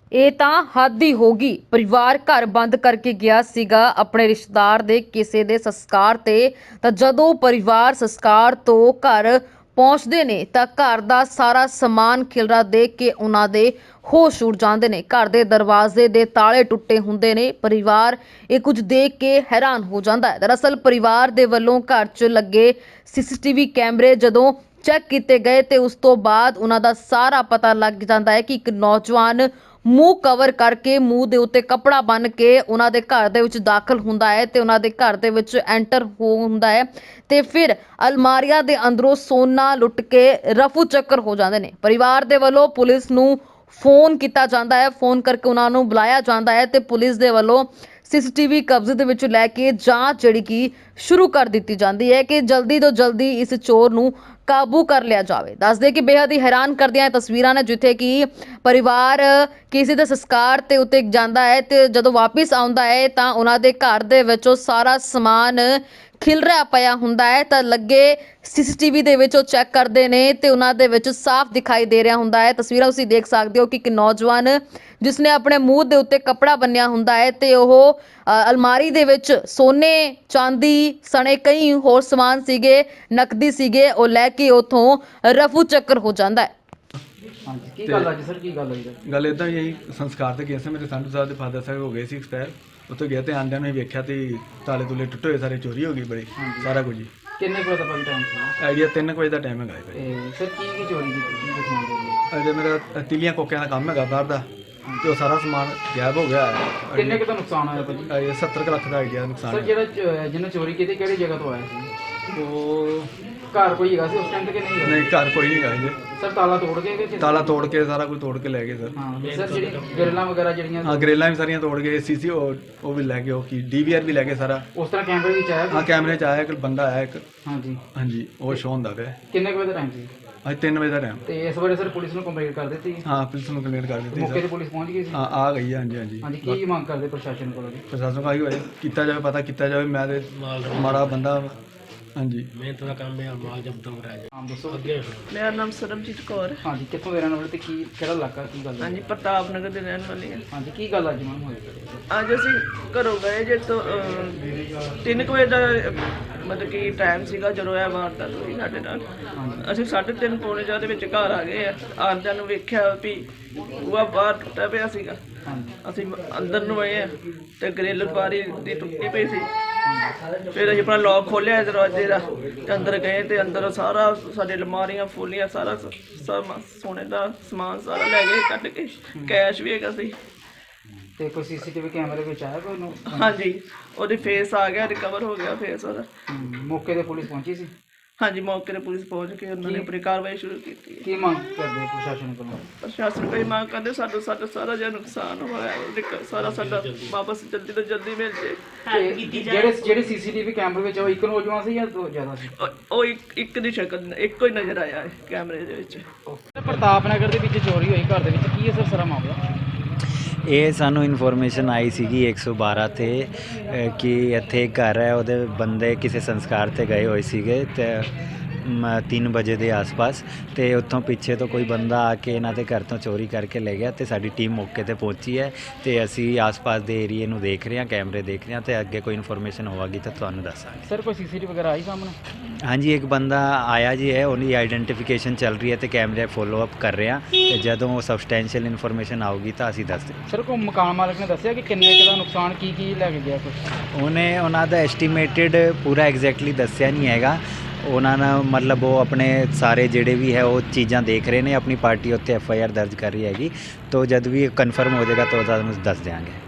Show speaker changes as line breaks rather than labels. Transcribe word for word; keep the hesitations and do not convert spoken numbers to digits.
ਇਹ ਤਾਂ ਹੱਦ ਹੀ ਹੋ ਗਈ। ਪਰਿਵਾਰ ਘਰ ਬੰਦ ਕਰਕੇ ਗਿਆ ਸੀਗਾ ਆਪਣੇ ਰਿਸ਼ਤੇਦਾਰ ਦੇ ਕਿਸੇ ਦੇ ਸੰਸਕਾਰ ਤੇ, ਤਾਂ ਜਦੋਂ ਪਰਿਵਾਰ ਸੰਸਕਾਰ ਤੋਂ ਘਰ ਪਹੁੰਚਦੇ ਨੇ ਤਾਂ ਘਰ ਦਾ ਸਾਰਾ ਸਮਾਨ ਖਿਲਰਾ ਦੇਖ ਕੇ ਉਹਨਾਂ ਦੇ ਹੋਸ਼ ਉੱਡ ਜਾਂਦੇ ਨੇ। ਘਰ ਦੇ ਦਰਵਾਜ਼ੇ ਦੇ ਤਾਲੇ ਟੁੱਟੇ ਹੁੰਦੇ ਨੇ। ਪਰਿਵਾਰ ਇਹ ਕੁਝ ਦੇਖ ਕੇ ਹੈਰਾਨ ਹੋ ਜਾਂਦਾ ਹੈ। ਦਰਅਸਲ ਪਰਿਵਾਰ ਦੇ ਵੱਲੋਂ ਘਰ 'ਚ ਲੱਗੇ ਸੀਸੀਟੀਵੀ ਕੈਮਰੇ ਜਦੋਂ ਚੈੱਕ ਕੀਤੇ ਗਏ ਤੇ ਉਸ ਤੋਂ ਬਾਅਦ ਉਹਨਾਂ ਦਾ ਸਾਰਾ ਪਤਾ ਲੱਗ ਜਾਂਦਾ ਹੈ ਕਿ ਇੱਕ ਨੌਜਵਾਨ ਮੂੰਹ ਕਵਰ ਕਰਕੇ, ਮੂੰਹ ਦੇ ਉੱਤੇ ਕੱਪੜਾ ਬੰਨ੍ਹ ਕੇ ਉਹਨਾਂ ਦੇ ਘਰ ਦੇ ਵਿੱਚ ਦਾਖਲ ਹੁੰਦਾ ਹੈ ਤੇ ਉਹਨਾਂ ਦੇ ਘਰ ਦੇ ਵਿੱਚ ਐਂਟਰ ਹੋ ਹੁੰਦਾ ਹੈ ਤੇ ਫਿਰ ਅਲਮਾਰੀਆਂ ਦੇ ਅੰਦਰੋਂ ਸੋਨਾ ਲੁੱਟ ਕੇ ਰਫੂ ਚੱਕਰ ਹੋ ਜਾਂਦੇ ਨੇ। ਪਰਿਵਾਰ ਦੇ ਵੱਲੋਂ ਪੁਲਿਸ ਨੂੰ ਫੋਨ ਕੀਤਾ ਜਾਂਦਾ ਹੈ, ਫੋਨ ਕਰਕੇ ਉਹਨਾਂ ਨੂੰ ਬੁਲਾਇਆ ਜਾਂਦਾ ਹੈ ਤੇ ਪੁਲਿਸ ਦੇ ਵੱਲੋਂ ਸੀਸੀਟੀਵੀ ਕਬਜ਼ੇ ਦੇ ਵਿੱਚ ਲੈ ਕੇ ਜਾਂਚ ਜਿਹੜੀ ਕਿ ਸ਼ੁਰੂ ਕਰ ਦਿੱਤੀ ਜਾਂਦੀ ਹੈ ਕਿ ਜਲਦੀ ਤੋਂ ਜਲਦੀ ਇਸ ਚੋਰ ਨੂੰ ਕਾਬੂ ਕਰ ਲਿਆ ਜਾਵੇ। ਦੱਸਦੇ ਕਿ ਬੇहद ਹੀ ਹੈਰਾਨ ਕਰਦੀਆਂ ਤਸਵੀਰਾਂ ਨੇ ਜਿੱਥੇ ਕਿ ਪਰਿਵਾਰ ਕਿਸੇ ਦੇ ਸੰਸਕਾਰ ਤੇ ਉੱਤੇ ਜਾਂਦਾ ਹੈ ਤੇ ਜਦੋਂ ਵਾਪਿਸ ਆਉਂਦਾ ਹੈ ਤਾਂ ਉਹਨਾਂ ਦੇ ਘਰ ਦੇ ਵਿੱਚੋਂ ਸਾਰਾ ਸਮਾਨ ਖਿਲਰਿਆ ਪਿਆ ਹੁੰਦਾ ਹੈ ਤਾਂ ਲੱਗੇ ਸੀਸੀਟੀਵੀ ਦੇ ਵਿੱਚ ਉਹ ਚੈੱਕ ਕਰਦੇ ਨੇ ਤੇ ਉਹਨਾਂ ਦੇ ਵਿੱਚ ਸਾਫ਼ ਦਿਖਾਈ ਦੇ ਰਿਹਾ ਹੁੰਦਾ ਹੈ। ਤਸਵੀਰਾਂ ਤੁਸੀਂ ਦੇਖ ਸਕਦੇ ਹੋ ਕਿ ਇੱਕ ਨੌਜਵਾਨ ਜਿਸਨੇ ਆਪਣੇ ਮੂੰਹ ਦੇ ਉੱਤੇ ਕੱਪੜਾ ਬੰਨਿਆ ਹੁੰਦਾ ਹੈ ਤੇ ਉਹ ਅਲਮਾਰੀ ਦੇ ਵਿੱਚ ਸੋਨੇ, ਚਾਂਦੀ ਸਣੇ ਕਈ ਹੋਰ ਸਮਾਨ ਸੀਗੇ, ਨਕਦੀ ਸੀਗੇ, ਉਹ ਲੈ ਕੇ ਉਥੋਂ ਰਫੂ ਚੱਕਰ ਹੋ ਜਾਂਦਾ ਹੈ।
ਹਾਂਜੀ ਕੀ ਗੱਲ ਅੱਜ ਸਰ ਕੀ ਗੱਲ ਹੋਈ?
ਗੱਲ ਇਦਾਂ ਹੀ ਸੰਸਕਾਰ ਤੇ ਗਿਆ ਸੀ। ਮੇਰੇ ਸੰਧੂ ਸਾਹਿਬ ਦੇ ਫਾਦਰ ਸਾਹਿਬ ਹੋ ਗਏ ਸੀ ਐਕਸਪਾਇਰ। ਉੱਥੇ ਗਿਆ ਤੇ ਆਂਦਿਆਂ ਨੂੰ ਹੀ ਵੇਖਿਆ ਤੇ ਤਾਲੇ ਤੁਲੇ ਟੁੱਟੇ ਹੋਏ, ਸਾਰੇ ਚੋਰੀ ਹੋ ਗਈ ਬੜੀ, ਸਾਰਾ ਕੁਝ ਹੀ।
ਕਿੰਨੇ ਕੁ ਵਜੇ ਦਾ ਟਾਈਮ ਸੀ?
ਆਈਡੀਆ ਤਿੰਨ ਕੁ ਵਜੇ ਦਾ ਟਾਈਮ ਹੈਗਾ ਭਾਈ।
ਤੇ ਸਰ ਕੀ ਕੀ ਚੋਰੀ ਕੀਤੀ ਕੀ ਦਿਖਾਉਂਦੇ?
ਅਜੇ ਮੇਰਾ ਤਿਲੀਆਂ ਕੋਕਿਆਂ ਦਾ ਕੰਮ ਹੈਗਾ ਬਾਹਰ ਦਾ ਤੇ ਉਹ ਸਾਰਾ ਸਮਾਨ ਗਾਇਬ ਹੋ ਗਿਆ ਹੈ।
ਕਿੰਨੇ ਕੁ ਦਾ ਨੁਕਸਾਨ ਹੋਇਆ ਭਾਜੀ?
ਇਹ ਸੱਤਰ ਕੁ ਲੱਖ ਦਾ ਆਈਡੀਆ
ਸਰ
ਨੁਕਸਾਨ ਹੈ।
ਜਿਹੜਾ ਜਿਹਨੇ ਚੋਰੀ ਕੀਤੀ ਕਿਹੜੀ ਜਗ੍ਹਾ ਤੋਂ ਆਇਆ ਸੀ?
ਉਹ
ਘਰ ਕੋਈ ਹੈਗਾ ਸੀ ਉਸ ਟਾਈਮ ਤੇ ਕਿ ਨਹੀਂ?
ਨਹੀਂ, ਘਰ ਕੋਈ ਨਹੀਂ ਹੈਗਾ ਜੀ।
ਸਰ ਤਾਲਾ ਤੋੜ ਕੇ ਕਿ
ਤਾਲਾ ਤੋੜ ਕੇ ਸਾਰਾ ਕੁਝ ਤੋੜ ਕੇ ਲੈ ਗਏ ਸਰ।
ਹਾਂ ਸਰ ਜਿਹੜੀ ਗਰਲਾਂ ਵਗੈਰਾ ਜਿਹੜੀਆਂ
ਹਾਂ, ਗਰੇਲਾਂ ਵੀ ਸਾਰੀਆਂ ਤੋੜ ਗਏ, ਸੀਸੀ ਉਹ ਵੀ ਲੈ ਗਏ, ਉਹ ਕੀ ਡੀਵੀਆਰ ਵੀ ਲੈ ਗਏ ਸਾਰਾ।
ਉਸ ਤਰ੍ਹਾਂ ਕੈਮਰੇ ਵਿੱਚ ਆਇਆ?
ਹਾਂ, ਕੈਮਰੇ 'ਚ ਆਇਆ ਇੱਕ ਬੰਦਾ ਆਇਆ ਇੱਕ।
ਹਾਂਜੀ
ਹਾਂਜੀ, ਉਹ ਸ਼ੋਅ ਹੁੰਦਾ ਪਿਆ।
ਕਿੰਨੇ ਕੁ ਵਜੇ ਦਾ ਟਾਈਮ ਸੀ?
ਅੱਜ ਤਿੰਨ ਵਜੇ ਦਾ ਟਾਈਮ।
ਤੇ ਇਸ ਬਾਰੇ ਸਰ ਪੁਲਿਸ ਨੂੰ ਕੰਪਲੇਂਟ ਕਰ ਦਿੱਤੀ?
ਹਾਂ, ਪੁਲਿਸ ਨੂੰ ਕੰਪਲੇਂਟ ਕਰ ਦਿੱਤੀ
ਮੌਕੇ
ਸਰ।
ਤੇ ਪੁਲਿਸ ਪਹੁੰਚ ਗਈ ਸੀ?
ਹਾਂ, ਆ ਗਈ ਹੈ। ਹਾਂਜੀ ਹਾਂਜੀ
ਹਾਂਜੀ ਕੀ ਮੰਗ ਕਰਦੇ ਪ੍ਰਸ਼ਾਸਨ ਕੋਲੋਂ ਜੀ?
ਪ੍ਰਸ਼ਾਸਨ ਕਹੀ ਹੋਏ ਕੀਤਾ ਜਾਵੇ, ਪਤਾ ਕੀਤਾ ਜਾਵੇ। ਮੈਂ ਤੇ ਮਾੜਾ ਬੰਦਾ। ਹਾਂਜੀ,
ਮਿਹਨਤ ਦਾ ਕੰਮ ਹੈ, ਮਾਲ ਜਬਤ ਹੋ ਰਿਹਾ ਹੈ।
ਹਾਂ ਦੱਸੋ।
ਮੇਰਾ ਨਾਮ ਸਰਬਜੀਤ ਕੌਰ ਹੈ।
ਹਾਂਜੀ ਕਿੱਥੋਂ ਦੇ ਰਹਿਣ ਵਾਲੇ ਤੇ ਕੀ ਕਿਹੜਾ ਇਲਾਕਾ ਕੀ ਗੱਲ ਹੈ?
ਹਾਂਜੀ ਪ੍ਰਤਾਪ ਨਗਰ ਦੇ ਰਹਿਣ ਵਾਲੀ ਹਾਂ।
ਹਾਂਜੀ ਕੀ ਗੱਲ ਅੱਜ ਮੈਮ ਹੋਈ?
ਅੱਜ ਅਸੀਂ ਘਰੋਂ ਗਏ ਜੇ ਤੋਂ ਅਹ, ਤਿੰਨ ਕੁ ਵਜੇ ਦਾ ਅਹ, ਮਤਲਬ ਕਿ ਟਾਈਮ ਸੀਗਾ ਜਦੋਂ ਇਹ ਵਾਰਦਾਤ ਹੋਈ ਸਾਡੇ ਨਾਲ। ਅਸੀਂ ਸਾਢੇ ਤਿੰਨ ਪੌਣੇ ਚਾਰ ਦੇ ਵਿੱਚ ਘਰ ਆ ਗਏ ਆ। ਆਉਂਦਿਆਂ ਨੂੰ ਵੇਖਿਆ ਵੀ ਬੂਹਾ ਬਾਹਰ ਟੁੱਟਿਆ ਪਿਆ ਸੀਗਾ। ਅਸੀਂ ਅੰਦਰ ਨੂੰ ਆਏ ਆ ਤੇ ਗ੍ਰਿਲ ਬਾਰੀ ਦੀ ਟੁੱਟੀ ਪਈ ਸੀ। ਫਿਰ ਅਸੀਂ ਆਪਣਾ ਲੌਕ ਖੋਲ੍ਹਿਆ ਦਰਵਾਜ਼ੇ ਦਾ ਤੇ ਅੰਦਰ ਗਏ ਤੇ ਅੰਦਰ ਸਾਰਾ ਸਾਡੇ ਅਲਮਾਰੀਆਂ ਫੋਲੀਆਂ ਸਾਰਾ ਸਮ ਸੋਨੇ ਦਾ ਸਮਾਨ ਸਾਰਾ ਲੈ ਗਏ ਕੱਢ ਕੇ। ਕੈਸ਼ ਵੀ ਹੈਗਾ ਸੀ।
ਤੇ ਕੋਈ ਸੀਸੀਟੀਵੀ ਕੈਮਰੇ ਵਿੱਚ ਆਇਆ ਕੋਈ ਨੂੰ?
ਹਾਂਜੀ ਉਹਦੀ ਫੇਸ ਆ ਗਿਆ, ਰਿਕਵਰ ਹੋ ਗਿਆ ਫੇਸ ਉਹਦਾ।
ਮੌਕੇ ਤੇ ਪੁਲਿਸ ਪਹੁੰਚੀ ਸੀ?
ਹਾਂਜੀ ਮੌਕੇ ਤੇ ਪੁਲਿਸ ਪਹੁੰਚ ਕੇ ਉਹਨਾਂ ਨੇ ਆਪਣੀ ਕਾਰਵਾਈ ਸ਼ੁਰੂ ਕੀਤੀ।
ਕੀ ਮੰਗ ਕਰਦੇ ਪ੍ਰਸ਼ਾਸਨ ਕੋਲੋਂ?
ਪ੍ਰਸ਼ਾਸਨ ਕੋਈ ਮੰਗ ਕਰਦੇ ਸਾਡਾ ਸਾਡਾ ਸਾਰਾ ਜਿਹੜਾ ਨੁਕਸਾਨ ਹੋਇਆ ਉਹਦੇ ਸਾਰਾ ਸਾਡਾ ਵਾਪਸ ਜਲਦੀ ਤੋਂ ਜਲਦੀ ਮਿਲ ਜੇ।
ਤੇ ਜਿਹੜੇ ਜਿਹੜੇ ਸੀਸੀਟੀਵੀ ਕੈਮਰੇ ਵਿੱਚ ਉਹ ਇੱਕ ਨੌਜਵਾਨ ਸੀ ਜਾਂ ਦੋ ਜ਼ਿਆਦਾ ਸੀ?
ਉਹ ਉਹ ਇੱਕ ਇੱਕ ਦੀ ਸ਼ਕਲ ਇੱਕੋ ਹੀ ਨਜ਼ਰ ਆਇਆ ਹੈ ਕੈਮਰੇ ਦੇ ਵਿੱਚ।
ਪ੍ਰਤਾਪ ਨਗਰ ਦੇ ਵਿੱਚ ਚੋਰੀ ਹੋਈ ਘਰ ਦੇ ਵਿੱਚ, ਕੀ ਹੈ ਸਰ ਸਾਰਾ ਮਾਮਲਾ?
ਇਹ ਸਾਨੂੰ ਇਨਫੋਰਮੇਸ਼ਨ ਆਈ ਸੀਗੀ ਇੱਕ ਸੌ ਬਾਰਾਂ 'ਤੇ ਕਿ ਇੱਥੇ ਇੱਕ ਘਰ ਹੈ, ਉਹਦੇ ਬੰਦੇ ਕਿਸੇ ਸੰਸਕਾਰ 'ਤੇ ਗਏ ਹੋਏ ਸੀਗੇ ਤੇ ਤਿੰਨ ਵਜੇ ਦੇ ਆਸ-ਪਾਸ, ਅਤੇ ਉੱਥੋਂ ਪਿੱਛੇ ਤੋਂ ਕੋਈ ਬੰਦਾ ਆ ਕੇ ਇਹਨਾਂ ਦੇ ਘਰ ਤੋਂ ਚੋਰੀ ਕਰਕੇ ਲੈ ਗਿਆ। ਅਤੇ ਸਾਡੀ ਟੀਮ ਮੌਕੇ 'ਤੇ ਪਹੁੰਚੀ ਹੈ ਅਤੇ ਅਸੀਂ ਆਸ-ਪਾਸ ਦੇ ਏਰੀਏ ਨੂੰ ਦੇਖ ਰਹੇ ਹਾਂ, ਕੈਮਰੇ ਦੇਖ ਰਹੇ ਹਾਂ ਅਤੇ ਅੱਗੇ ਕੋਈ ਇਨਫੋਰਮੇਸ਼ਨ ਹੋਵੇਗੀ ਤਾਂ ਤੁਹਾਨੂੰ ਦੱਸਾਂਗੇ।
ਸਰ ਕੋਈ ਸੀਸੀਟੀਵੀ ਵਗੈਰਾ ਆਈ ਸਾਹਮਣੇ?
ਹਾਂਜੀ ਇੱਕ ਬੰਦਾ ਆਇਆ ਜੀ ਹੈ, ਉਹਦੀ ਆਈਡੈਂਟੀਫਿਕੇਸ਼ਨ ਚੱਲ ਰਹੀ ਹੈ ਅਤੇ ਕੈਮਰੇ ਫੋਲੋ ਅਪ ਕਰ ਰਹੇ ਹਾਂ ਅਤੇ ਜਦੋਂ ਸਬਸਟੈਂਸ਼ੀਅਲ ਇਨਫੋਰਮੇਸ਼ਨ ਆਊਗੀ ਤਾਂ ਅਸੀਂ ਦੱਸ ਦਿਆਂਗੇ।
ਸਰ ਕੋਈ ਮਕਾਨ ਮਾਲਕ ਨੇ ਦੱਸਿਆ ਕਿ ਕਿੰਨੇ ਕੁ ਦਾ ਨੁਕਸਾਨ ਕੀ ਕੀ ਲੈ ਕੇ ਗਿਆ ਕੁਛ?
ਉਹਨੇ ਉਹਨਾਂ ਦਾ ਐਸਟੀਮੇਟਿਡ ਪੂਰਾ ਐਗਜ਼ੈਕਟਲੀ ਦੱਸਿਆ ਨਹੀਂ ਹੈਗਾ। ਉਹਨਾਂ ਨੇ ਮਤਲਬ ਉਹ ਆਪਣੇ ਸਾਰੇ ਜਿਹੜੇ ਵੀ ਹੈ ਉਹ ਚੀਜ਼ਾਂ ਦੇਖ ਰਹੇ ਨੇ, ਆਪਣੀ ਪਾਰਟੀ ਉੱਤੇ ਐਫ ਆਈ ਆਰ ਦਰਜ ਕਰ ਰਹੀ ਹੈਗੀ। ਤਾਂ ਜਦ ਵੀ ਕਨਫਰਮ ਹੋ ਜਾਏਗਾ ਤਾਂ ਉਹਦਾ ਦੱਸ ਦਿਆਂਗੇ।